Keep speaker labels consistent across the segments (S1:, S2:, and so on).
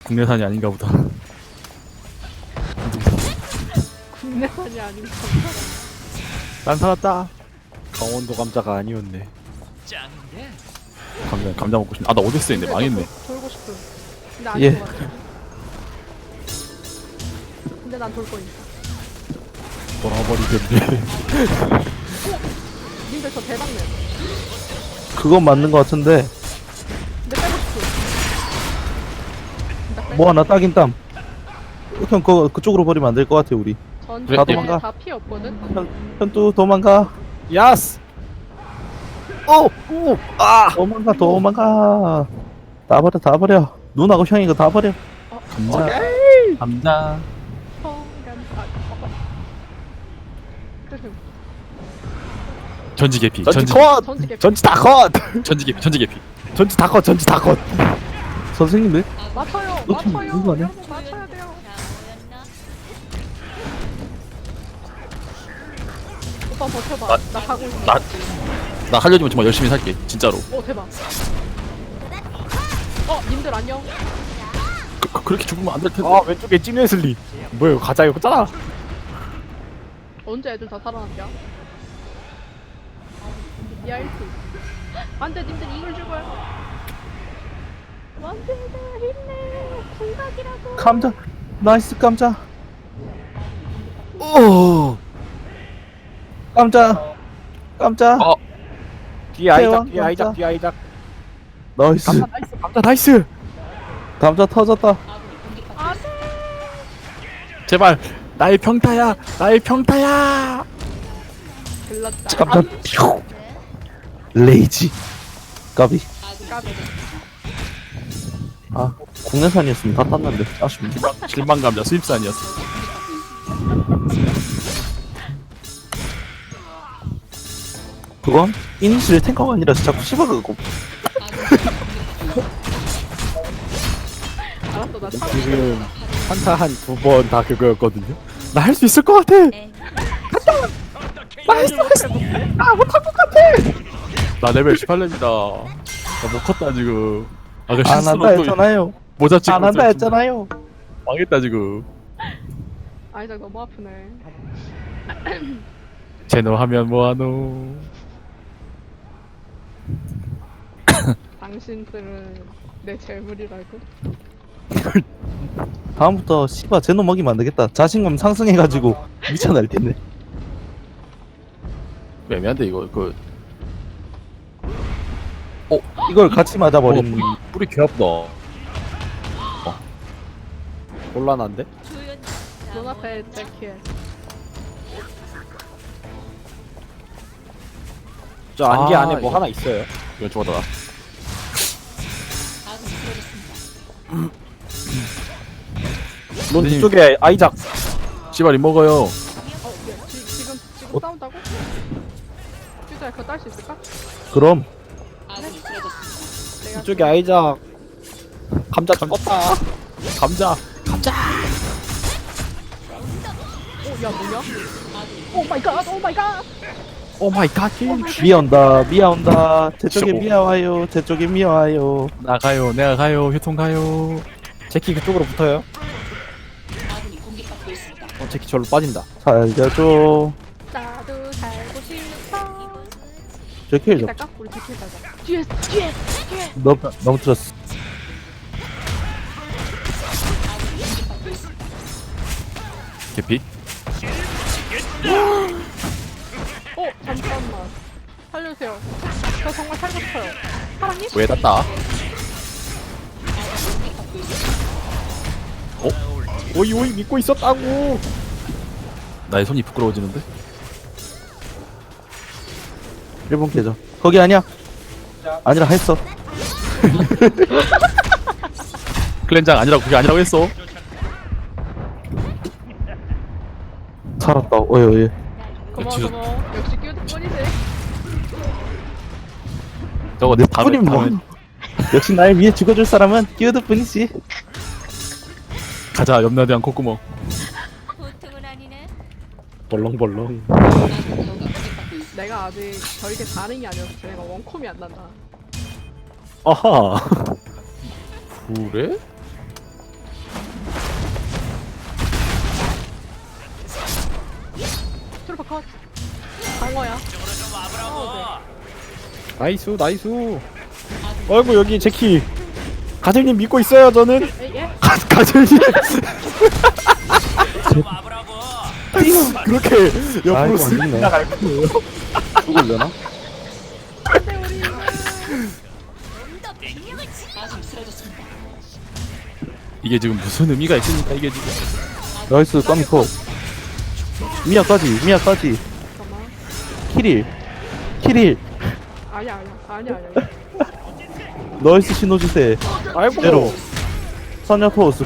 S1: 국내산이 아닌가 보다.
S2: 국내산이 아닌가.
S3: 난 살았다. 강원도 감자가 아니었네.
S1: 감자 먹고 싶네. 아, 나 오데스 있는데 망했네.
S2: 돌고 싶음. 근데 아닌
S4: 예.
S2: 것 같아. 근데 난 돌 거니까.
S3: 돌아버리겠네.
S2: 님들 저 대박 내.
S4: 그건 맞는 것 같은데
S2: 근데 빼고 싶음. 나 빼.
S4: 뭐 하나 따긴 땀. 형 그쪽으로 버리면 안 될 것 같아 우리.
S2: 전
S1: 그래,
S4: 다
S2: 집에
S4: 도망가.
S2: 다 피 없거든.
S4: 현또 도망가.
S3: 야스. 오. 아.
S4: 도망가. 다 버려. 누나하고 형이 이거 다 버려.
S1: 감자. 감자.
S2: 흐흠.
S1: 전지 개피.
S3: 전지
S1: 전지
S3: 컷.
S2: 전지 개피.
S3: 전지 다 컷.
S1: 전지 개피. 전지 개피.
S3: 전지 다 컷. 전지 다 컷.
S4: 선생님들
S2: 맞춰요.
S4: 너 지금
S2: 맞춰요.
S4: 누구 아니야?
S2: 여러분 맞춰야 돼요. 오빠 버텨봐. 나 가고 있어.
S1: 나 하려면 정말 열심히 살게. 진짜로.
S2: 오 대박. 님들 안녕.
S1: 그렇게 죽으면 안 될 텐데.
S3: 아 왼쪽에 찐웨슬리. 뭐야 가자 이거잖아.
S2: 언제 애들 다 살아났냐? 야 1트. 안돼 님들 이걸 죽어요. 안돼 힘내. 군각이라고.
S4: 감자. 나이스 감자.
S3: 오.
S4: 감자.
S3: 뒤에 아이작.
S4: 대왕
S3: 뒤에 아이작.
S4: 감자.
S3: 뒤에 아이작.
S4: 나이스.
S3: 감자 나이스. 감자 나이스.
S4: 감자 터졌다.
S2: 안돼.
S1: 제발. 나의 평타야. 나의 평타야.
S2: 글렀다.
S4: 감자. 퓨. 레이지. 까비.
S2: 까비.
S4: 아 국내산이었으면 다 땄는데 아쉽네.
S1: 실망 감자 수입산이었어.
S4: 그건 이니시를 탱커가 아니라서 자꾸 씹어가고.
S2: 알았어 나 참.
S3: 지금 한타 한 두 번 다 그거였거든요. 나 할 수 있을 것 같아.
S1: 나 레벨 18렙이다. 나 못 컸다 지금. 아까
S4: 안
S1: 실수로
S4: 한다
S1: 또
S4: 했잖아요.
S1: 모자 찍고
S4: 안 한다
S1: 있었지.
S4: 했잖아요.
S1: 망했다 지금.
S2: 아이작 너무 아프네.
S1: 제노 하면 뭐하노.
S2: 당신들은 내 재물이라고.
S4: 다음부터 씨바 제노 먹이면 안 되겠다. 자신감 상승해가지고 미쳐날 텐데.
S1: 애매한데 이거 그
S4: 이걸 같이 맞아버린.
S1: 뿌리 개 아프다.
S3: 곤란한데?
S2: 눈앞에 제키에.
S3: 저 안개
S1: 아,
S3: 안에 뭐
S1: 이거.
S3: 하나 있어요.
S1: 이건 죽었다.
S3: 넌
S1: 선생님.
S3: 뒤쪽에 아이작.
S1: 씨발 이 먹어요.
S2: 지금 싸운다고? 퓨즈야 그거 딸 수 있을까?
S4: 그럼
S2: 내가
S3: 뒤쪽에 아이작. 감자 죽었다.
S1: 감자.
S2: 야 뭐냐? 오 마이 갓. 오 마이 갓.
S3: 오 마이 갓.
S4: 미아 온다. 제 쪽에 미아 와요. 제 쪽에 미아 와요.
S1: 나가요. 내가 가요. 휴통 가요.
S3: 제키 그쪽으로 붙어요. 제키 절로 빠진다.
S4: 살려줘.
S2: 나도 살고 싶어.
S4: 제킬 좀.
S2: 기다까? 우리 제키 가자. 뒤에.
S4: 넘쳤어.
S1: 개피.
S2: 잠깐만. 살려주세요. 저 정말 살고 싶어요. 사랑님?
S1: 왜 땄다?
S3: 오이 믿고 있었다고.
S1: 나의 손이 부끄러워지는데?
S4: 일본 계정. 거기 아니야. 아니라 했어.
S1: 클렌장 아니라고 그게 아니라고 했어.
S4: 살았다. 어이.
S2: 고마워. 역시 끼어들 뿐이지.
S1: 저거
S4: 내
S1: 다음에
S4: 뿐이면 뭐. 역시 나를 위해 죽어줄 사람은 끼어들 뿐이지.
S1: 가자. 염라대왕 콧구멍.
S5: 보통은 아니네.
S3: 벌렁벌렁.
S2: 내가 아직 저에게 반응이 아니어서 내가 원콤이 안 난다.
S3: 아하.
S1: 그래?
S2: 컷. 방어야.
S3: 나이스 나이스. 어이구 여기 제키. 가젤님 믿고 있어요 저는.
S2: 네. 예?
S3: 가젤님. 그렇게 옆으로
S4: 아이고,
S3: 쓱
S4: 안
S3: 나갈 거예요.
S4: 죽을려나?
S2: 근데 우리
S1: 이게 지금 무슨 의미가 있습니까 이게 지금.
S4: 나이스 깜코. 미아까지.
S2: 잠깐만.
S4: 키릴.
S2: 아니야.
S4: 나이스 시너지세.
S3: 아이고.
S4: 제로. 선녀 토스.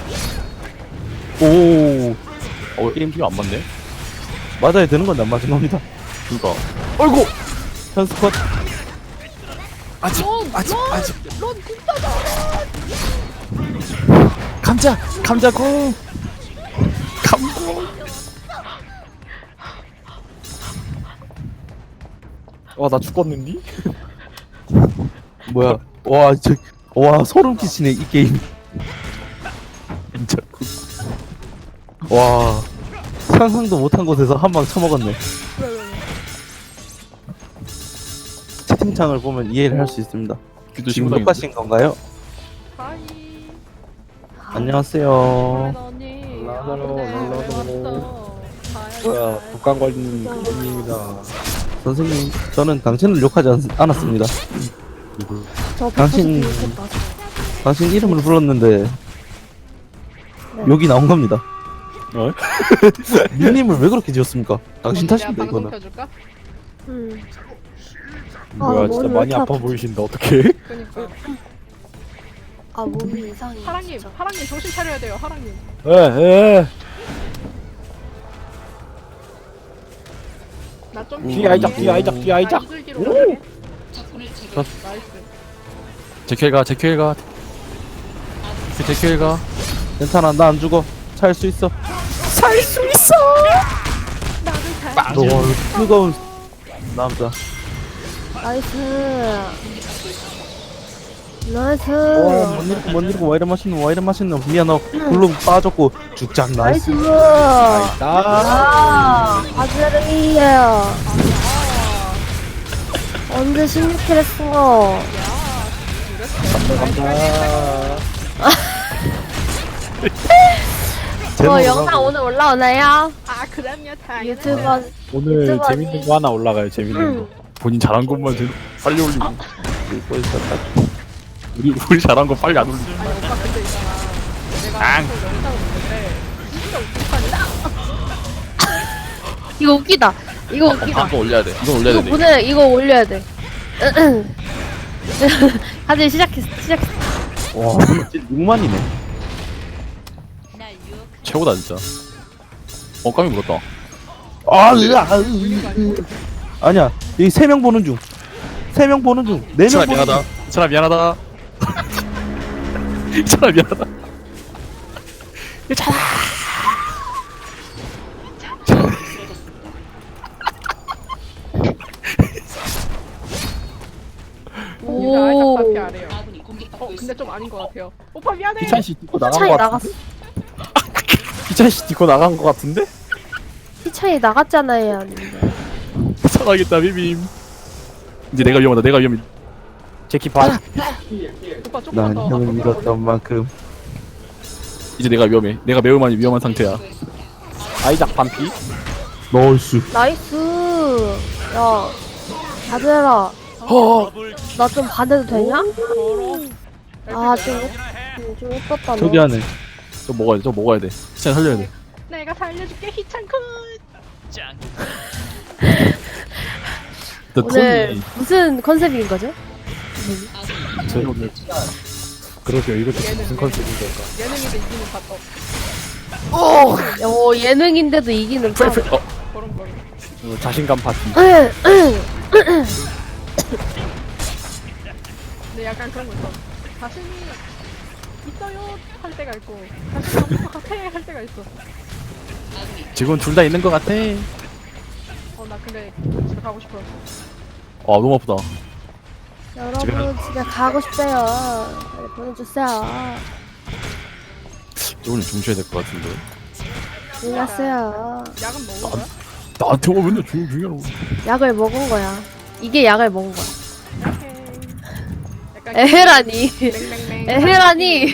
S4: 오.
S1: 게임 지금 안 맞네.
S4: 맞아야 되는 건데 안 맞은 겁니다.
S1: 그니까.
S3: 어이구.
S4: 현스 컷.
S3: 아직
S2: 넌 진짜다.
S3: 감자공. 나 죽었는디?
S4: 뭐야? 와 소름 끼치네 이 게임.
S1: 진짜.
S4: 와 상상도 못한 곳에서 한 방 쳐먹었네.
S2: 왜.
S4: 채팅창을 보면 이해를 할 수 있습니다.
S1: 귀도
S4: 지금
S1: 심상인데.
S4: 녹화신 건가요?
S2: 하이.
S4: 안녕하세요.
S2: 언니.
S3: 올라가라,
S2: 왜
S3: 올라가라.
S2: 왔어?
S3: 뭐야 독감 걸린 군인입니다.
S4: 선생님, 저는 당신을 욕하지 않았습니다.
S6: 저
S4: 당신-
S6: 당신 좋겠다.
S4: 당신 이름을 불렀는데 욕이 나온 겁니다.
S3: 어?
S4: 닉님을 왜 그렇게 지었습니까? 당신
S2: 내가
S4: 탓입니다
S2: 방송
S4: 이거는.
S2: 켜줄까?
S3: 뭐야 진짜 많이 아파 보이신다 어떡해?
S2: 그니까.
S6: 아 몸이 이상해.
S2: 하랑님
S6: 진짜.
S2: 정신 차려야 돼요. 하랑님.
S3: 에.
S2: 나좀
S3: 뒤 아이작.
S2: 이슬기로 가게. 나이스.
S1: 제큐엘가. 제큐엘가.
S4: 괜찮아, 나 안 죽어. 살 수 있어.
S2: 나도 잘.
S4: 너 뜨거운 남자.
S6: 나이스.
S4: 뭔 일이고 와 이래 맛있노. 미안, 너 굴로 빠졌고 죽장 나이스.
S6: 나이스.
S3: 나
S6: 아즈르이에요. 언제 16킬 했어? 영상 오늘 올라오나요?
S2: 아 그럼요. 당연히.
S6: 유튜버
S3: 오늘
S6: 유튜버
S3: 재밌는 거 하나 올라가요. 재밌는 거.
S1: 본인 잘한 것만 빨리 올리고.
S4: 읽고 있었다.
S1: 우리 잘한 거 빨리 안 올리고.
S2: 아니 오빠 근데 있잖아. 내가 또 영상을 보는데 진짜 웃기다.
S6: 이거 웃기다. 이거 웃기다.
S1: 한번 올려야 돼. 이건 올려야
S6: 이거
S1: 돼.
S6: 보내. 이거 올려야 돼. 다들 시작했어.
S4: 와, 진짜 6만이네.
S5: 날 유혹.
S1: 최고다 진짜. 깜이 물었다.
S4: 아니야, 여기 3명 보는 중. 3명 보는 중. 4명
S1: 이찬아
S4: 보는
S1: 미안하다.
S4: 중.
S1: 이찬아 미안하다. 이찬아 미안하다.
S2: 유자 아이작
S6: 오.
S2: 파티 아래요. 근데 좀 아닌 것 같아요. 오빠 미안해.
S3: 기찬 씨 딛고 나간
S6: 차이
S3: 거
S6: 나갔어.
S3: 같은데? 기찬 씨 딛고 나간 거 같은데?
S6: 차이 나갔잖아요. 근데.
S1: 살아야겠다 비빔. 이제 내가 위험하다. 내가 위험해.
S3: 제키 반.
S2: 오빠 조금만
S4: 난
S2: 더.
S4: 형을
S2: 앞으로
S4: 믿었던 만큼.
S1: 이제 내가 위험해. 내가 매우 많이 위험한 상태야.
S3: 아이작 반피.
S4: 나이스.
S6: 나이스. 야, 아들아. 나 좀 반해도 되냐? 좀 예뻤다. 너.
S4: 저기 안에.
S1: 저 먹어야 돼. 저 먹어야 돼. 진짜 살려야 돼.
S2: 내가 살려줄게 희창쿤.
S1: 나
S6: 오늘
S1: 톤이
S6: 무슨 컨셉인 거죠?
S3: 저희 오늘 그러게요. 이것도 무슨 컨셉인 걸까?
S2: 예능인데 이기는 바떡.
S6: 예능인데도 이기는 판.
S2: 그런.
S3: 자신감 파티.
S2: 근데 약간 그런 거 있어. 자신이 있어요 할 때가 있고 자신이 없는 것 같아 할 때가 있어.
S1: 지금 둘 다 있는 것 같아.
S2: 나 근데 집에 가고 싶어.
S1: 너무 아프다.
S6: 여러분 집에 가고 싶대요. 빨리 보내주세요.
S1: 오늘 좀 쉬어야 될 것 같은데.
S6: 안녕하세요.
S2: 약은 먹은 거야?
S1: 나한테 오면 맨날 조용하라고.
S6: 약을 먹은 거야. 이게 약을 먹은 거야.
S2: 약해. 약간
S6: 에헤라니.
S2: 맹맹맹.
S6: 에헤라니.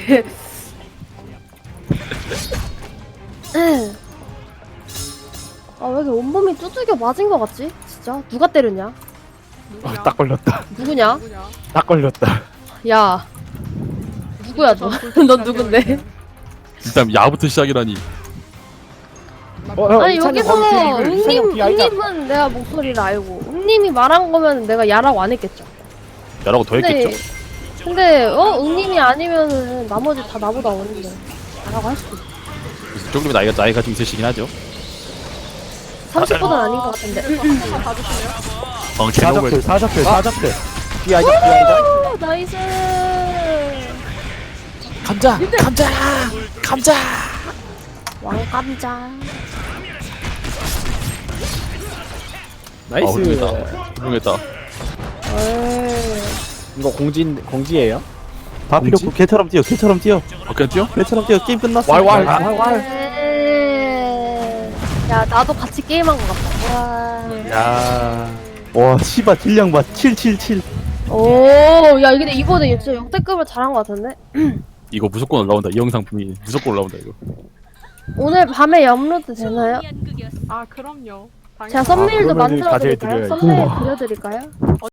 S6: 아, 왜 이렇게 온몸이 두들겨 맞은 거 같지? 진짜? 누가 때렸냐?
S2: 누구냐?
S3: 딱 걸렸다.
S6: 누구냐?
S2: 누구냐?
S3: 딱 걸렸다.
S6: 야. 누구야, 너? 넌 누군데?
S1: 일단 야부터 시작이라니.
S6: 아니, 여기서 웅님은 내가 목소리를 알고, 웅님이 말한 거면 내가 야라고 안 했겠죠.
S1: 야라고 더 했겠죠?
S6: 근데, 웅님이 아니면은 나머지 다 나보다 어린데. 야라고 할 수도 있어.
S1: 그래서 조금 나이가 좀 있으시긴 하죠.
S6: 30보단 아닌 것 같은데.
S2: 한번 봐주실래요?
S1: 제목을
S3: 사적들. 삐아이자.
S6: 오, 나이스.
S1: 감자.
S6: 왕감자.
S3: 나이스.
S1: 훌륭했다.
S6: 에이.
S3: 이거 공지예요?
S4: 다 필요 없고 개처럼 뛰어 개처럼 뛰어
S1: 그냥 뛰어?
S4: 개처럼 뛰어 게임 끝났어.
S3: 왈.
S6: 에이. 야, 나도 같이 게임한 것 같다. 와.
S3: 야.
S4: 와 씨발 딜량 봐 777.
S6: 오, 야, 근데 이번에 진짜 역대급을 잘한 것 같은데?
S1: 이거 무조건 올라온다. 이 영상품이 무조건 올라온다 이거.
S6: 오늘 밤에 업로드 되나요?
S5: 연극이었어.
S2: 아 그럼요. 당연히.
S6: 제가 썸네일도
S3: 그러면은 가져야
S6: 만들어드릴까요?
S3: 드려야지.
S6: 썸네일 그려드릴까요?